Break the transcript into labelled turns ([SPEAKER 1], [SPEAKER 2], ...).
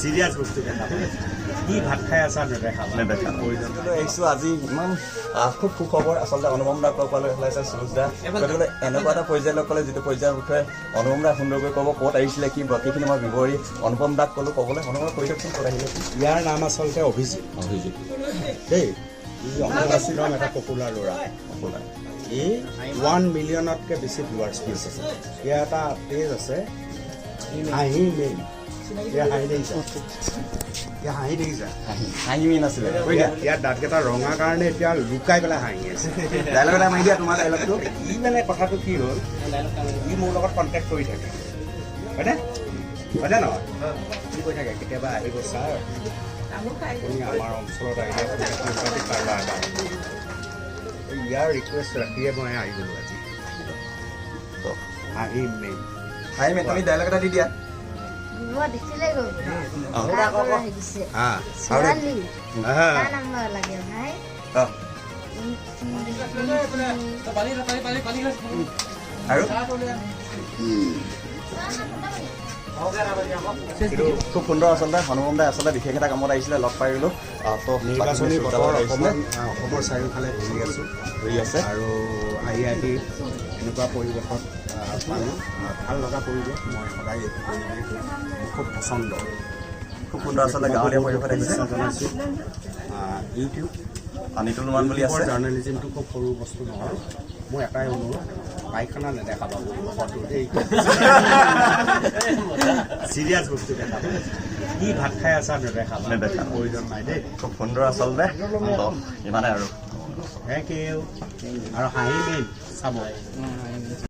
[SPEAKER 1] serious বস্তু দেখা কি ভাত খাই আছা নেদেখা
[SPEAKER 2] আহিছোঁ আজি ইমান খুব সুখবৰ আচলতে অনুপম দাক লগ পালে ওলাইছে সুৰুজ দা গতিকে এনেকুৱা এটা পৰ্যায় লগ পালে যিটো পৰ্যায়ৰ বিষয়ে অনুপম দা সুন্দৰকৈ ক'ব ক'ত আহিছিলে কি বাকীখিনি মই বিৱৰি অনুপম দাক ক'লোঁ ক'বলৈ অনুপম কৈ দিয়কচোন ক'ত আহিলে
[SPEAKER 1] ইয়াৰ নাম আচলতে অভিজিত দেই অম্বুবাচীৰম এটা পপুলাৰ ল'ৰা এই 1 মিলিয়নতকৈ বেছি ভিউৱাৰ্ছ আছে ইয়াৰ এটা পেজ আছে হাঁহি মেইন ইয়াৰ দাঁতকেইটা ৰঙা কাৰণে এতিয়া লুকাই পেলাই হাঁহি আছে
[SPEAKER 2] ডাইলগ এটা মাৰি দিয়া তোমাৰ ডাইলগটো
[SPEAKER 1] ই মানে কথাটো কি হ'ল ই মোৰ লগত কণ্টেক্ট কৰি থাকে হয়নে হয়নে নহয় কি কৈ থাকে কেতিয়াবা আহিব ছাৰ আপুনি আমাৰ অঞ্চলত আহিলে কাৰোবাৰ এটা ইয়াৰ ৰিকুৱেষ্ট ৰাখিয়ে মই আহি গ'লোঁ আজি হাঁহি মেইন
[SPEAKER 2] তুমি ডাইলগ এটা দি দিয়া খুব সুন্দৰ আচলতে হনুমান দাই আচলতে বিশেষ এটা কামত আহিছিলে লগ পাই গ'লোঁ তো
[SPEAKER 1] নিৰ্বাচনী বতৰ অসমৰ চাৰিওফালে ঘূৰি আছে আৰু আহি এনেকুৱা পৰিৱেশত পালোঁ ভাল লগা পৰিৱেশ মই সদায় এইটো পৰিৱেশ খুব পচন্দ
[SPEAKER 2] খুব সুন্দৰ আচলতে গাঁৱলীয়া পৰিৱেশত আহিছে
[SPEAKER 1] জনাইছোঁ ইউটিউব
[SPEAKER 2] নিতুল মান বুলি আছে
[SPEAKER 1] জাৰ্ণেলিজিমটো খুব সৰু বস্তু নহয় মোৰ এটাই অনুৰোধ পায়খানা নেদেখাব চিৰিয়াছ বস্তু দেখা কি ভাত খাই আছা নেদেখা প্ৰয়োজন নাই দেই
[SPEAKER 2] খুব সুন্দৰ আচলতে ইমানে আৰু
[SPEAKER 1] থেংক ইউ আৰু হাঁহি মেইন চাব